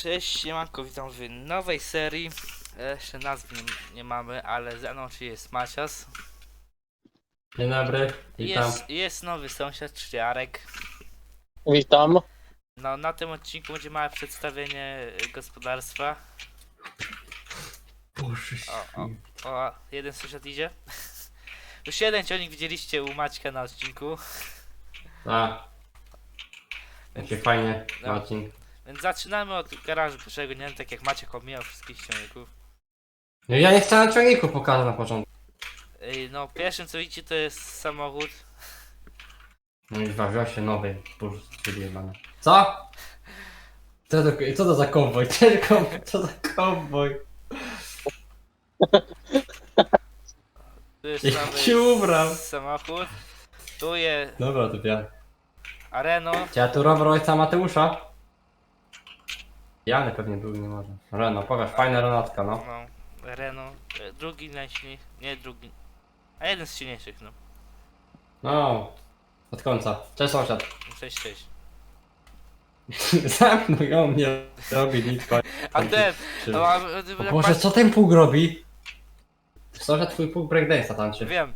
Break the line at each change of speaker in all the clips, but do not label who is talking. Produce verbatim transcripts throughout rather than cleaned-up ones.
Cześć, siemanko, witam w nowej serii. E, Jeszcze nazwy nie, nie mamy, ale za mną czy jest Macias.
Dzień dobry, witam.
Jest, jest nowy sąsiad, czyli Arek.
Witam.
No, na tym odcinku będzie małe przedstawienie e, gospodarstwa.
Boże
O, o, o, jeden sąsiad idzie. Już jeden ciągnik widzieliście u Maćka na odcinku.
A, jakie fajnie,
No.
Marcin.
Więc zaczynamy od garażu pierwszego, nie wiem, tak jak Maciek omijał wszystkich ciągników.
No ja nie chciałem ciągników pokazać na początku.
Ej, no, pierwszym co widzicie to jest samochód.
No i wziął się nowy, boże, wyjebane. Co? Co to, co to za kowboj? Co, co za kowboj?
Tu jest
Jak
nowy
się ubrał.
samochód. Tu jest
Dobra, to ja.
Areno.
Czy ja tu rower ojca Mateusza? Jany pewnie był, nie może. Reno, pokaż, fajna Renatka, no.
No, Renault, e, drugi najsilniejszy, nie drugi, a jeden z silniejszych, no.
No, od końca. Cześć sąsiad.
Cześć, cześć.
Zamknął ją, mnie robi nic.
A ten,
Czy-
a, a,
O
jak
Boże,
patrz-
co ten pług robi? Sąsiad twój pług breakdance'a tańczy.
wiem.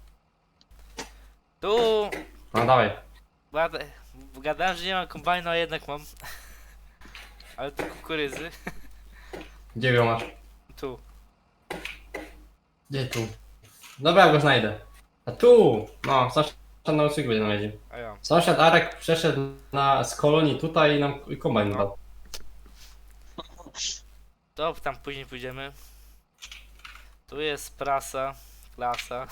Tu,
No dawaj.
gada- gadałem, że nie mam kombajnu, a jednak mam. Ale tu kukurydzy.
Gdzie ją masz?
Tu.
Gdzie tu? Dobra, ja go znajdę. A tu! No, sąsiad na usyku będzie nam jeździł.
A ja.
Sąsiad Arek przeszedł na, z kolonii tutaj i nam i kombajn
No.
dał.
To tam później pójdziemy. Tu jest prasa, klasa.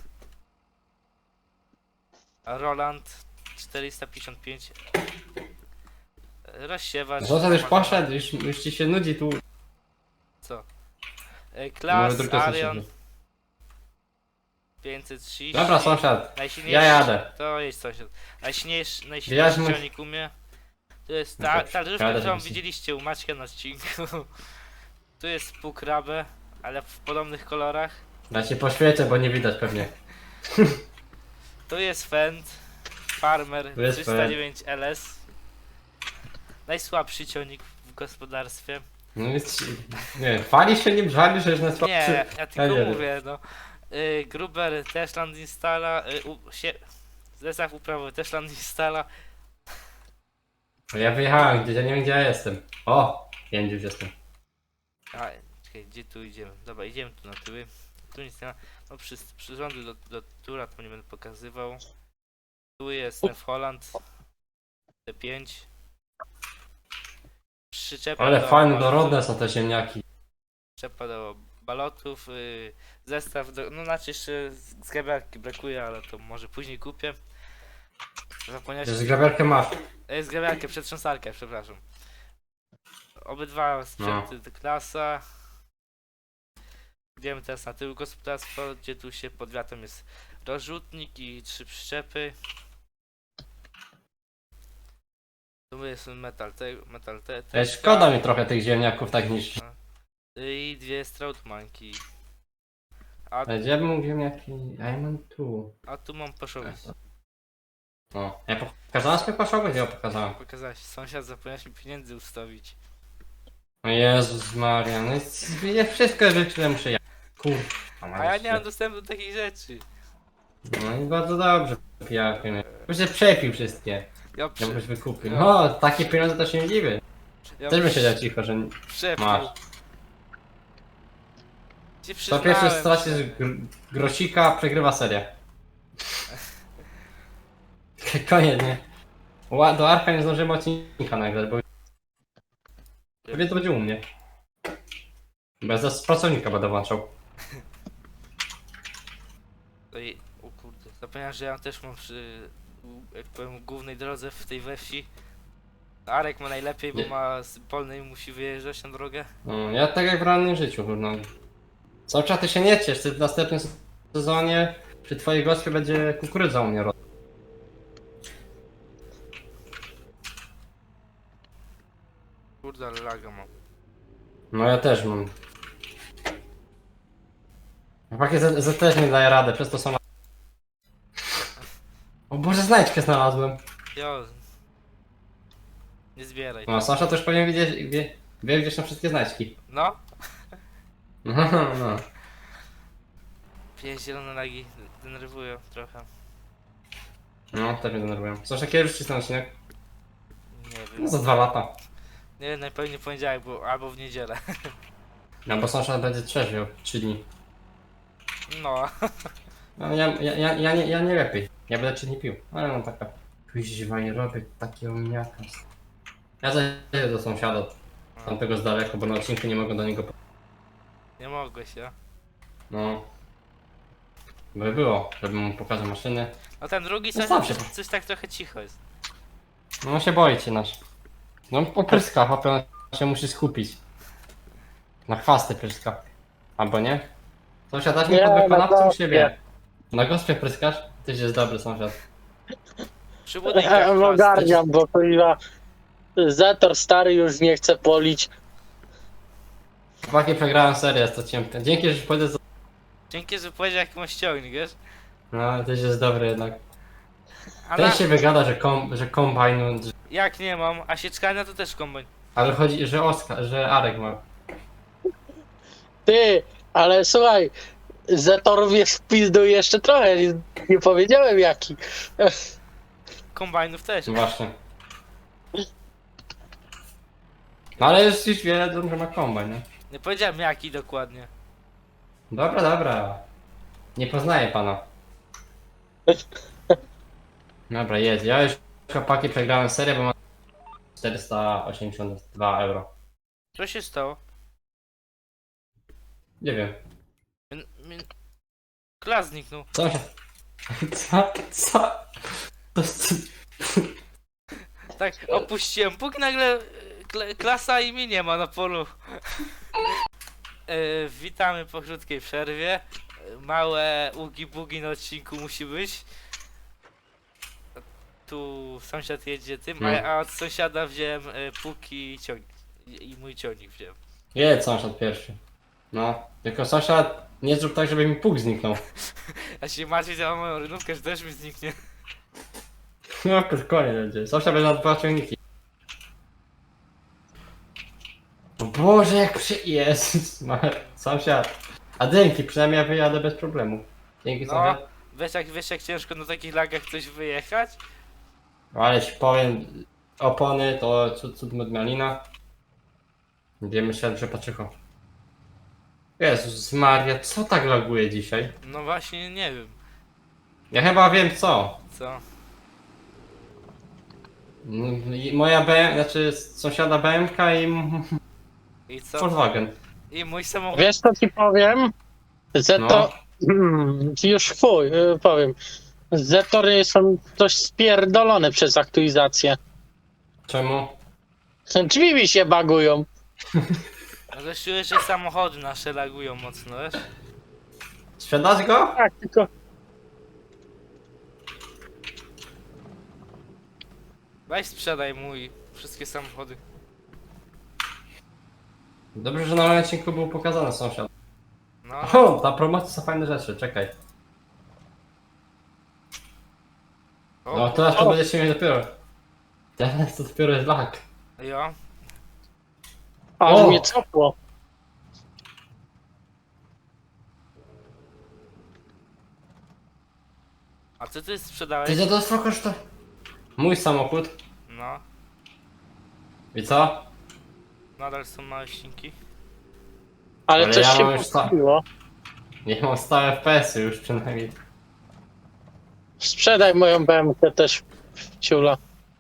A Roland czterysta pięćdziesiąt pięć. Rozsiewacz.
Sąsiad już poszedł, już, już ci się nudzi tu.
Co? E,
Może
Klas,
druga
Arion
sąsiad.
pięćset trzydzieści.
Dobra, sąsiad.
Najsilniejszy.
Ja jadę.
To jest sąsiad. Najsilniejszy,
Ja
najsilniejszy
mu-
ciągnik u mnie. To jest
No
ta,
to
ta drzewka,
jadę,
którą
żebyś-
widzieliście u Maćka na odcinku. Tu jest półkrabę, ale w podobnych kolorach.
Ja ci poświecę, bo nie widać pewnie.
Tu jest Fendt Farmer
Tu jest
trzysta dziewięć L S. Najsłabszy ciągnik w gospodarstwie.
No więc, nie, chwali się nim, żali, że jest na
Nie, ja tylko
nie wiem.
mówię, no. Y, Gruber też land instala. Y, u, się, zestaw uprawowy też land instala.
Ja wyjechałem, gdzie ja nie wiem gdzie ja jestem. O! Wiem gdzie już jestem.
A, czekaj, gdzie tu idziemy? Dobra, idziemy tu na tyły. Tu nic nie ma. No przy, przyrządy do, do tura to nie będę pokazywał. Tu jest ten Holland T pięć. Przyczepa
Ale
do
fajne,
balotów,
dorodne są te ziemniaki.
Przyczepa do balotów. Y, zestaw do... No znaczy jeszcze z grabiarki brakuje, ale to może później kupię. Zapomniałeś...
Z grabiarkę masz.
E, Zgrabiarkę, przetrząsarkę, przepraszam. Obydwa sprzęty to klasa. Idziemy teraz na tył gospodarstwa, gdzie tu się pod wiatrem jest rozrzutnik i trzy przyczepy. Tu jest metal te, metal te,
Ej, szkoda mi trochę tych ziemniaków tak niż.
i dwie strautmanki. A,
Ej, gdzie bym ziemniaki? A ja mam tu.
a tu mam poszowić.
O, ja pokazałem sobie paszogę, gdzie ja pokazałem.
Pokazałeś, sąsiad zapomniałeś mi pieniędzy ustawić.
O Jezus Maria, no jest, ja wszystko życzyłem muszę ja. Kurwa.
A ja nie mam dostępu do takich rzeczy.
No i bardzo dobrze, pijakiem. Już się przepił wszystkie.
Ja,
Ja
prze,
byś wykupił.
Ja-
No, takie pieniądze to się nie dziwię.
ja
Też bym siedział cicho, że
przepił.
masz.
Się
To pierwszy
przyznałem,
stracisz gr grosika, przegrywa serię. Koniec, nie? Ła- Do Arka nie zdążymy odcinka nagrać, bo pewnie to będzie u mnie. Bez pracownika będę włączał.
Ej, o kurde, zapomniałem, że ja też mam przy, u- jak powiem, głównej drodze w tej we wsi. Arek ma najlepiej, bo
Nie.
ma z polnej i musi wyjeżdżać na drogę.
No, ja tak jak w realnym życiu, no. Cały czas ty się nie ciesz, ty w następnym sezonie przy twojej gospie będzie kukurydza u mnie rosła.
Kurde, ale laga mam.
No ja też mam. Chłopaki z, z też nie daje radę, przez to są... O Boże, znajdźkę znalazłem.
Jo. Nie zbieraj.
No, Sasza też powinien wiedzieć, wie, Wie, gdzie są wszystkie znajdźki.
No,
No, no.
pie zielone lagi denerwują trochę.
No, też mnie denerwują. Co, że kiedy już ten odcinek?
Nie
No,
wiem.
za dwa lata.
Nie wiem, najpewniej w poniedziałek, bo, albo w niedzielę.
No, bo sąsiad będzie trzeźwiał trzy dni.
No,
No, ja, ja, ja, ja, nie, ja nie lepiej. Ja będę trzy dni pił. Ale no taka... Kuźwa, nie robię takiego miaka. Ja zajdę do sąsiada. Tamtego z daleko, bo na odcinku nie mogę do niego... po-
nie mogłeś, ja.
No. By było, żebym mu pokazał maszyny.
No ten drugi
No
coś,
sam się-
coś tak trochę cicho jest.
No on się boi cię nasz. No popryska, chłopie, on się musi skupić. Na chwasty pryska. Albo nie? Sąsiad, dasz mi
Nie,
pod
na
wykonawcą u
gospie.
siebie. Na gospie pryskasz? Tyś jest dobry sąsiad.
Przy budynkach
Em,
chwasty.
Ogarniam, bo kurwa Zetor stary już nie chce polić.
Chłopaki, przegrałem serię, jest to ciemne. Dzięki, że pójdę za...
Dzięki, że powiedział jak mam ściągnik, wiesz?
No, tyś jest dobry jednak.
A
Ten
na...
się wygada, że, kom, że kombajn... Że...
Jak nie mam, a sieczkania to też kombajn.
Ale chodzi, że Oskar, że Arek ma.
Ty, ale słuchaj, Zetor wiesz w pizdu jeszcze trochę, nie, nie powiedziałem jaki.
Kombajnów też.
No właśnie. No ale już, już wiedzą, że ma kombajn, nie?
Nie powiedziałem jaki dokładnie.
Dobra, dobra. Nie poznaję pana. Dobra, jest. Ja już chłopaki przegrałem serię, bo mam czterysta osiemdziesiąt dwa euro.
Co się stało?
Nie wiem.
Min, min... Klas zniknął.
Co się... Co? Co? To jest...
Tak, opuściłem puk, nagle e, kla- klasa i mi nie ma na polu. E, witamy po krótkiej przerwie. E, Małe ugi-bugi na odcinku musi być. Tu sąsiad jedzie tym,
No.
a, a od sąsiada wziąłem e, puk i ciągnik. I, i mój ciągnik wziąłem.
Jedź sąsiad pierwszy. No. Tylko sąsiad, nie zrób tak, żeby mi puk zniknął.
Ja się martwię za moją rynówkę, że też mi zniknie.
No, koniec będzie. Sąsiad będzie na dwa ciągniki. O Boże, jak przy... Jezus, ma... sąsiad. A dzięki, przynajmniej ja wyjadę bez problemu. Dzięki
No,
sąsiad.
wiesz jak, wiesz jak ciężko na takich lagach coś wyjechać?
Ale ci powiem, opony to cud, cud medmalina. Wiemy się, że patrzycho. Jezus Maria, co tak laguje dzisiaj?
No właśnie, nie wiem.
Ja chyba wiem co.
Co?
Mm, i Moja B M, znaczy sąsiada B M K i m-
I co?
Volkswagen.
I mój samochód.
Wiesz co ci powiem? Zetor... Hmm, już chuj, y, powiem. Zetory są dość spierdolone przez aktualizację.
Czemu?
Drzwi mi się bagują.
No to czuję, że samochody nasze lagują mocno, wiesz?
Sprzedać go?
Tak, tylko...
Weź sprzedaj mój wszystkie samochody.
Dobrze, że na moim odcinku był pokazany sąsiad.
No,
O, na promocji są fajne rzeczy, czekaj.
o,
No teraz to będziecie mieć dopiero. Teraz to dopiero jest lag.
jo.
Aż
O!
mnie cofło.
A co ty sprzedałeś?
Ty za to jest koszta? Mój samochód.
No,
I co?
nadal są małe ścinki.
Ale,
Ale
coś
ja
się
mam już sta-
postawiło.
Niech mam stałe F P S-y już przynajmniej.
Sprzedaj moją B M K też, ciula.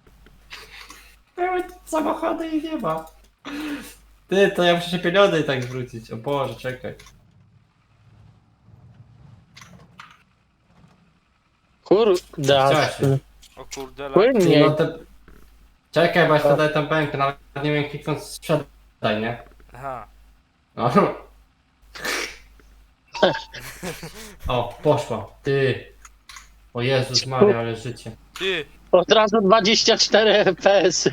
Były samochody i nie ma. Ty, to ja muszę się pieniądze i tak zwrócić. O Boże, czekaj.
Kurde.
Chciałeś się.
O kurde, lag.
Ty,
Płynniej.
no te... Czekaj, bo ja wtedy tą pękę, nawet nie wiem kliknąć sprzedaj, nie?
Aha.
O. O, poszła. Ty. O Jezus Maria, ale życie.
Ty,
Od razu dwadzieścia cztery F P S.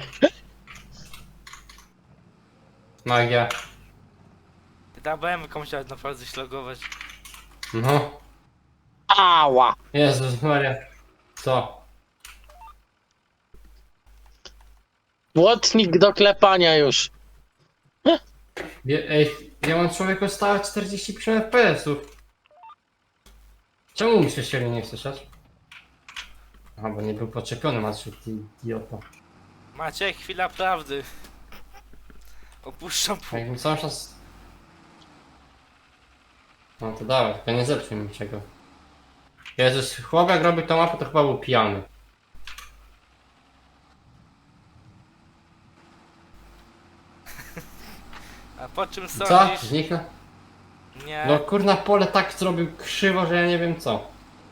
Magia.
ty ta B M K musiała naprawdę ślagować.
No.
Ała.
Jezus Maria. Co?
Błotnik do klepania już.
Je- Ej, ja mam człowieku stałe czterdzieści pięć F P S-ów. Czemu mi się średnio nie słyszeć? Aha, bo nie był podczepiony, Maciu, ty idiota.
Maciek, chwila prawdy. Opuszczam
A
pół.
jakbym cały czas... No to dawaj, tylko nie zepsuj mi czego. Jezus, chłop jak robił tą mapę, to chyba był pijany.
A po czym
Co?
sądzisz?
Zniknął?
Nie.
No kurna, pole tak zrobił krzywo, że ja nie wiem co.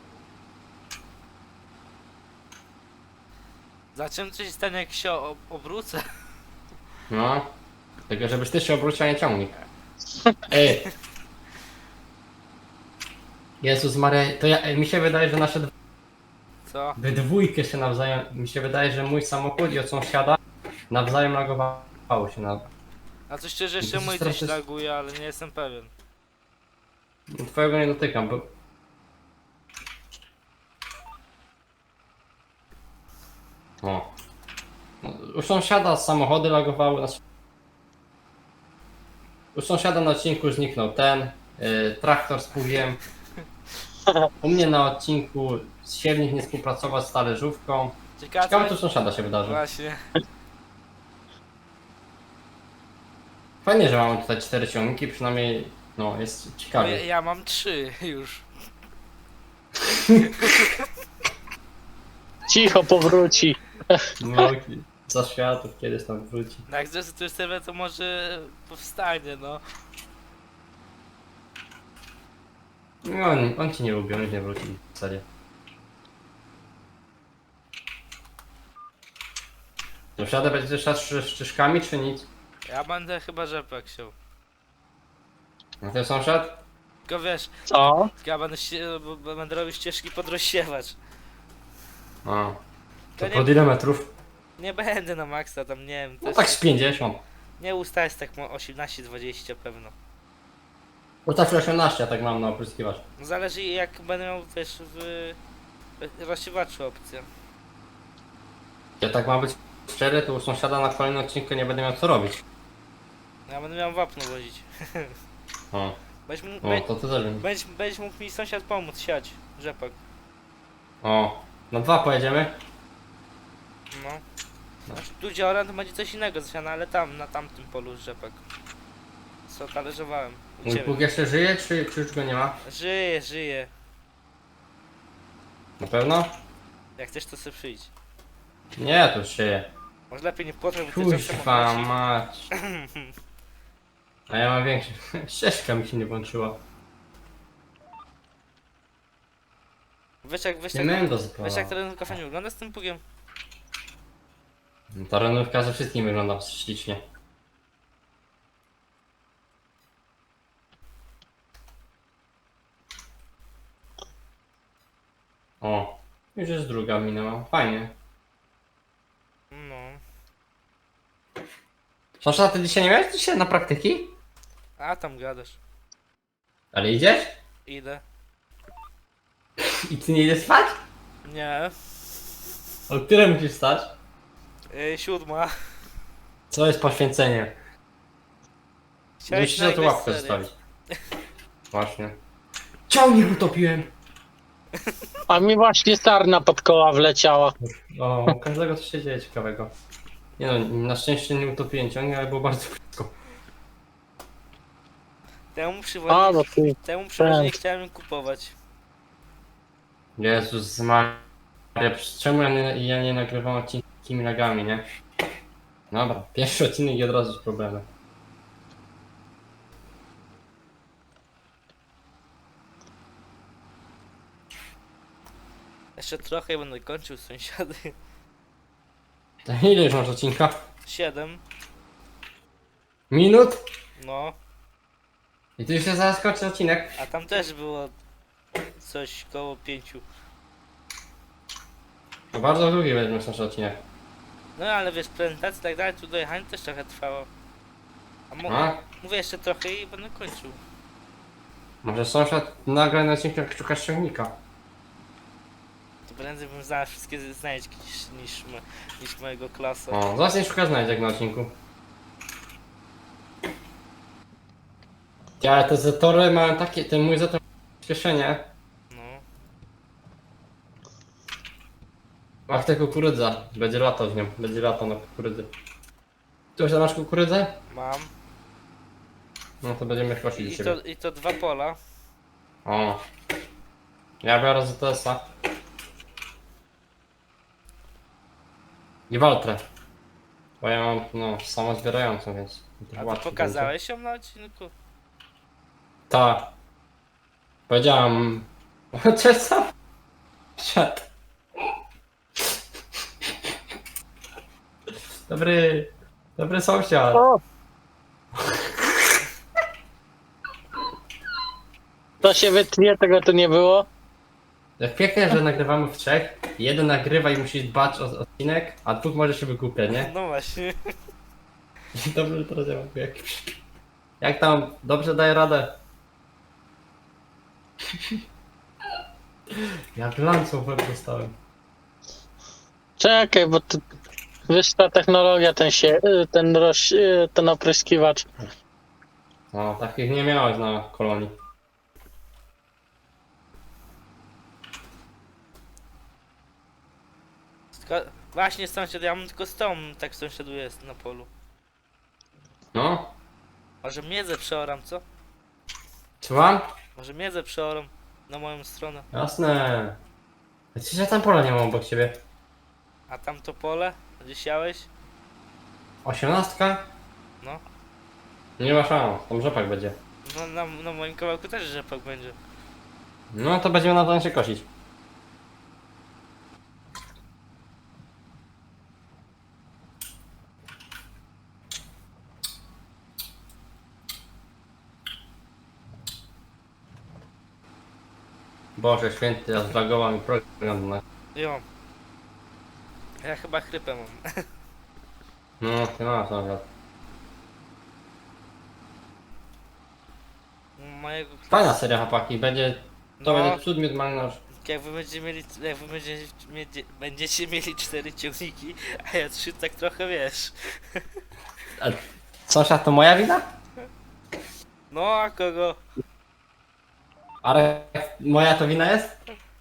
Za czym coś stanie, jak się ob obrócę?
No. Tylko żebyś ty się obrócił, a nie ciągnik. Ej. Jezus Maria, to ja, ej, mi się wydaje, że nasze dw-
Co?
we dwójkę się nawzajem, mi się wydaje, że mój samochód i od sąsiada nawzajem lagowało się na...
A to szczerze jeszcze
Widzisz,
mój
teraz
coś
jest-
laguje, ale nie jestem pewien.
Twojego nie dotykam, bo... O. No, u sąsiada samochody lagowały, znaczy... U sąsiada na odcinku zniknął ten, y, traktor z pługiem. U mnie na odcinku siewnik nie współpracował z talerzówką.
Ciekawe,
Ciekawe
co
co u sąsiada się wydarzy.
właśnie.
Fajnie, że mamy tutaj cztery ciągniki, przynajmniej no jest
Ja,
ciekawie.
ja mam trzy już.
Cicho powróci.
No, za światów kiedyś tam wróci.
No jak zrezygnujesz sobie, to może powstanie, no.
No, on, on ci nie lubi, on już nie wróci w zasadzie. Sąsiada będzie też raz z szczyszkami, czy nic?
Ja będę chyba rzepak się.
No ten sąsiad?
Tylko wiesz,
Co?
ja będę, się, b- będę robił ścieżki pod rozsiewacz.
A.
To
To
nie,
pod ile metrów?
nie będę na maksa tam, nie wiem.
No
Też
tak z pięćdziesiąt.
nie ustać tak mo- osiemnaście dwadzieścia pewno.
Bo tak osiemnaście, ja tak mam na opryskiwacz.
No zależy jak będę miał też w w rozsiewaczu opcję.
Ja tak mam być szczery, to u sąsiada na kolejnym odcinku nie będę miał co robić.
Ja będę miał wapno wozić.
O,
Będziesz, mógł-
o
bę-
to ty też będzie.
będziesz, będziesz mógł mi sąsiad pomóc siać rzepak.
O, na dwa pojedziemy?
No. Znaczy tu gdzie oran to będzie coś innego zasiane, ale tam, na tamtym polu rzepak. Co talerzowałem. U
Mój
ciebie.
Bóg jeszcze żyje, czy, czy już go nie ma?
Żyje, żyje.
Na pewno?
Jak chcesz to sobie przyjdź.
Nie, to już żyje.
Może lepiej nie płotrę, bo ty zawsze
Kuźwa
mogłeś-
mać. A ja mam większy. Ścieżka mi się nie włączyła.
Wiesz jak, wiesz
Nie
jak,
będę
wiesz jak
zapalał.
ta renówka fajnie wygląda z tym pugiem?
Ta renówka ze wszystkim wygląda ślicznie. O, już jest druga minęła. Fajnie.
No.
Sasza, ty dzisiaj nie miałeś dzisiaj na praktyki?
A tam gadasz.
Ale idziesz?
Idę.
I ty nie idziesz spać?
Nie.
O które musisz stać?
Yy, siódma.
Co jest poświęcenie?
Chciałeś
Musisz na to
nagrać
łapkę
serię.
zostawić. Właśnie. Ciągnik utopiłem!
A mi właśnie sarna pod koła wleciała.
O, u każdego coś się dzieje ciekawego. Nie no, na szczęście nie utopiłem ciągnik, ale było bardzo blisko.
Temu
A,
przewodnik,
bo ty.
temu przewodnik
tak.
chciałem kupować.
Jezus Maria, czemu ja nie, ja nie nagrywam odcinki takimi lagami, nie? Dobra, pierwszy odcinek i od razu z problemem.
Jeszcze trochę i będę kończył sąsiady.
To ile już masz odcinka?
Siedem.
Minut?
No.
I ty już się zaraz kończy odcinek?
A tam też było coś koło pięciu.
To bardzo długi weźmiesz nasz odcinek.
No ale wiesz, prezentacja i tak dalej, tu dojechanie też trochę trwało. A mo-
A?
mówię jeszcze trochę i będę kończył.
Może sąsiad nagra na odcinku jak szukasz ciągnika.
To prędzej bym znalazł wszystkie znajdźki niż, niż, mo- niż mojego klasa.
O, zaraz nie szukasz znajdziek na odcinku. Ja te zetory mają takie, ten mój zetor przyspieszenie.
No.
Ach, ta kukurydza. Będzie latał z nią. Będzie latał na kukurydzy. Ty już masz kukurydzę?
Mam.
No to będziemy kosić
I,
do
i,
ciebie.
to, I to dwa pola.
O. Ja biorę Z T S-a. I Waltrę. Bo ja mam, no, samozbierającą, więc...
A
łatwiej
to pokazałeś ją na odcinku?
będzie. Ta. Powiedziałam... Cześć, co? Siad. Dobry... Dobry sąsiad.
O! To się wytnie, tego tu nie było.
Jak pięknie, że nagrywamy w trzech. Jeden nagrywa i musi dbać o o odcinek, a dwóch może się wygłupia, nie?
No właśnie.
Dobrze, teraz ja mówię jak... Jak tam? Dobrze daje radę? Jak lancą w łeb dostałem.
Czekaj, bo tu wyższa technologia, ten się, y, ten roś, y, ten opryskiwacz.
No, takich nie miałeś na kolonii.
Tylko, właśnie sąsiad, ja mam tylko z tą, tak sąsiaduję na polu.
No,
Może miedzę przeoram, co?
słucham?
Może miedzę przeoram na moją stronę.
Jasne. Przecież ja tam pola nie mam obok ciebie.
A tamto pole, gdzie siałeś?
Osiemnastka?
No.
Nie ma szans, tam rzepak będzie.
No na, na moim kawałku też rzepak będzie.
No to będziemy na to się kosić. Boże święty, ja zlagował mi program na...
Jo. Ja chyba chrypę mam.
No, ty masz nawet.
Mojego
Fajna seria, chłopaki, będzie... To
No.
będzie cud miód marynarz.
Jak wy będziecie mieli, jak wy będziecie, mieli, będziecie mieli cztery ciągniki, a ja trzy, tak trochę wiesz.
Sąsiad, to moja wina?
No a kogo?
Ale moja to wina jest?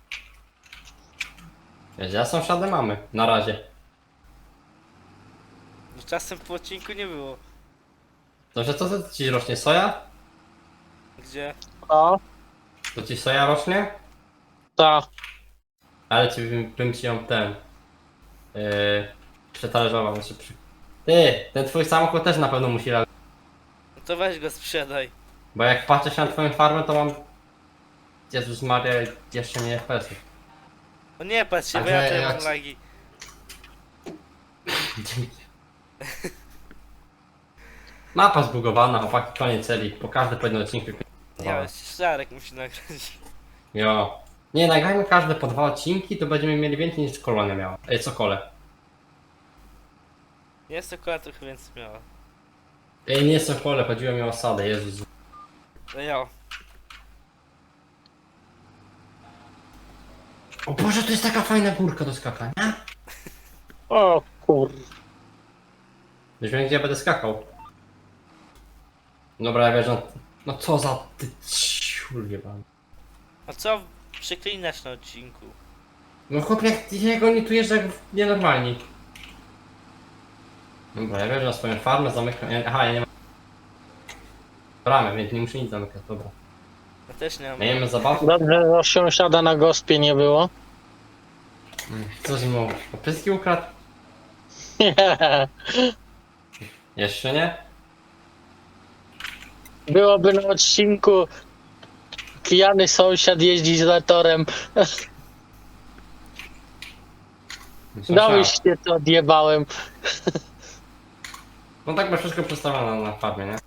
Wiesz, ja sąsiadę mamy, na razie.
No, czasem po odcinku nie było.
Dobrze, co to ci rośnie? Soja?
Gdzie?
O,
To ci soja rośnie?
ta.
Ale ci bym, bym ci ją ten... Yy, przetarzował, znaczy przy... Ty, ten twój samochód też na pewno musi robić.
No to weź go sprzedaj.
Bo jak patrzę się na twoją farmę, to mam... Jezus Maria, jeszcze nie F P S-ów.
No nie patrz się,
A
bo ja
że
tutaj
jak-
mam lagi.
Mapa zbugowana, chłopaki, koniec serii. Po każdy po jednym odcinku.
Nie, ale Szarek musi nagrać.
Jo. Nie, nagrajmy każde po dwa odcinki, to będziemy mieli więcej niż kolonia miała. Ej, Sokole.
Jest to koła trochę więcej miała.
Ej, nie Sokole, chodziło mi o osadę, Jezus.
No ja.
O Boże, to jest taka fajna górka do skakania.
O kur...
Już wiem, gdzie ja będę skakał. Dobra, ja wierzę. No co za ty ciul jebany.
A co przeklinasz na odcinku?
No chłop, jak ty się go nie czujesz jak nienormalni. Dobra, ja wierzę na swoją farmę, zamykam. ja- Aha, ja nie mam bramy, więc nie muszę nic zamykać, dobra.
Ja też nie mam.
Miejmy zabawkę.
Dobrze, że sąsiada na gospie nie było.
Co z nim opyski ukradł? Jeszcze nie?
Byłoby na odcinku pijany sąsiad jeździ z latorem. No już się to odjebałem.
No tak ma wszystko przestawione na, na farmie, nie?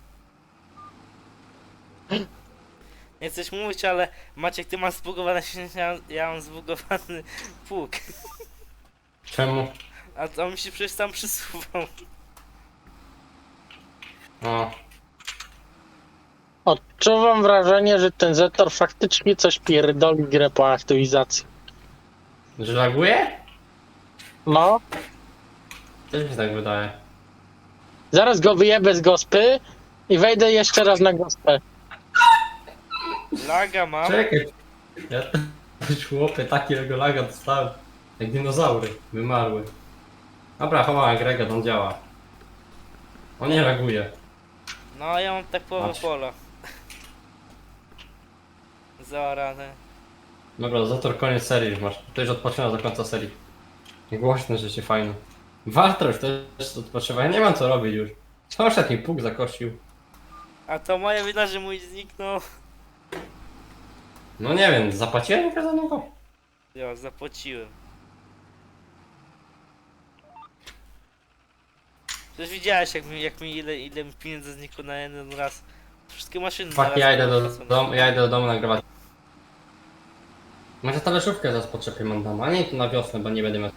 Nie chcesz mówić, ale Maciek, ty masz zbugowany silnik, ja, ja mam zbugowany pług.
Czemu?
A to mi się przecież tam przysuwał.
O,
Odczuwam wrażenie, że ten Zetor faktycznie coś pierdoli grę po aktualizacji.
że laguje?
No,
Też mi się tak wydaje.
zaraz go wyjebę z gospy i wejdę jeszcze raz na gospę.
Laga mam.
Czekaj. Ja też chłopie takiego laga dostałem. Jak dinozaury. Wymarły. Dobra, chowałem Grega, on działa. On nie reaguje.
No a ja mam tak połowę
Patrz.
pola. Zaorane.
Dobra, Zator koniec serii już masz. To już odpoczynasz do końca serii. Głośne rzeczy fajne. Warto już też odpoczywa. Ja nie mam co robić już. Sąsiad mi puk zakosił.
A to moja wina, że mój zniknął.
No nie wiem, zapłaciłem za niego?
Ja zapłaciłem. Przecież widziałeś jak mi, jak mi ile, ile mi pieniędzy znikło na jeden raz. Wszystkie maszyny
Fak,
naraz
ja idę do
potracone.
domu, ja idę do domu nagrywać. Może talerzówkę zaraz poczepię mam tam, a nie tu na wiosnę, bo nie będę miał.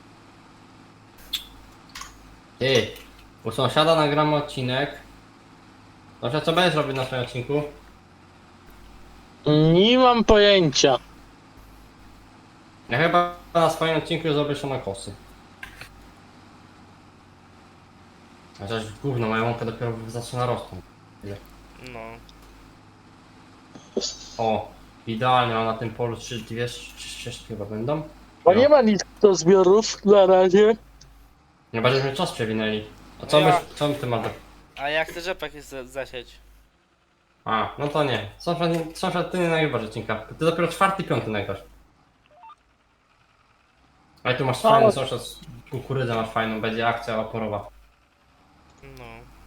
Ty, u sąsiada nagramy odcinek. Dobrze, co będziesz robić na swoim odcinku?
Nie mam pojęcia.
Ja chyba na swoim odcinku zrobię szanokosy. Chociaż gówno, moja łąka dopiero zaczyna rosnąć.
No.
O, idealnie, mam na tym polu trzy, dwie, trzy ścieżki chyba będą.
Bo
No.
nie ma nic do zbiorów na razie.
Nie będziemy czas przewinęli. A co
Ja.
byś, co ty masz do...
A jak chcesz rzepak jest za- zasiać?
A, no to nie. Sąsiad, nie- sąsiad ty nie nagrywasz odcinka. Ty dopiero czwarty, piąty nagrasz. Ale tu masz
O.
fajny sąsiad, kukurydzę masz fajną, będzie akcja oporowa.
No.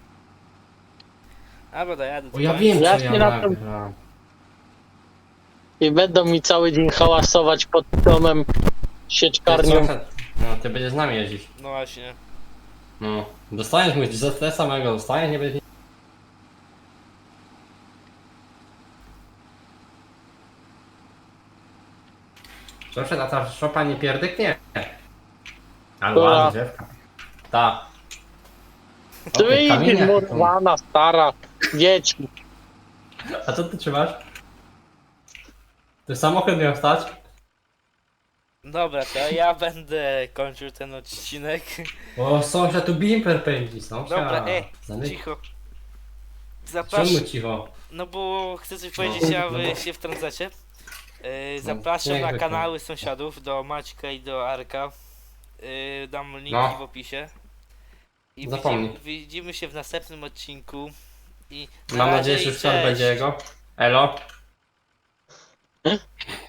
Albo dojadę do
O ja
końca.
wiem co
Jaśnie
ja
na to-
nagram.
I będą mi cały dzień hałasować pod domem sieczkarnią.
Sąsiad, no ty będziesz z nami jeździć.
No właśnie.
No. Dostaniesz mój z te samego dostaniesz, nie będzie. Sąsiad, a ta szopa nie pierdyknie? Ale
Która?
ładna drzewka. Ta.
Ty
Okej,
idź,
kamienie.
murwana, stara, dzieci.
A co ty trzymasz? Ty samochód miał stać?
Dobra, to ja będę kończył ten odcinek.
O, sąsiad tu bimper pędzi, sąsiad.
Dobra, e,
Zamyk-
cicho.
Czemu
Zapraszam.
cicho?
No bo chcę coś
No.
powiedzieć, a
No
wy
bo-
się wtrącacie. Yy,
No,
zapraszam
jak
na
zwykle.
kanały sąsiadów, do Maćka i do Arka. Yy, dam linki
No.
w opisie. I
Zapomnij.
widzimy, widzimy się w następnym odcinku. I na
Mam
razie
nadzieję,
i
że wczoraj
cześć.
będzie jego. Elo.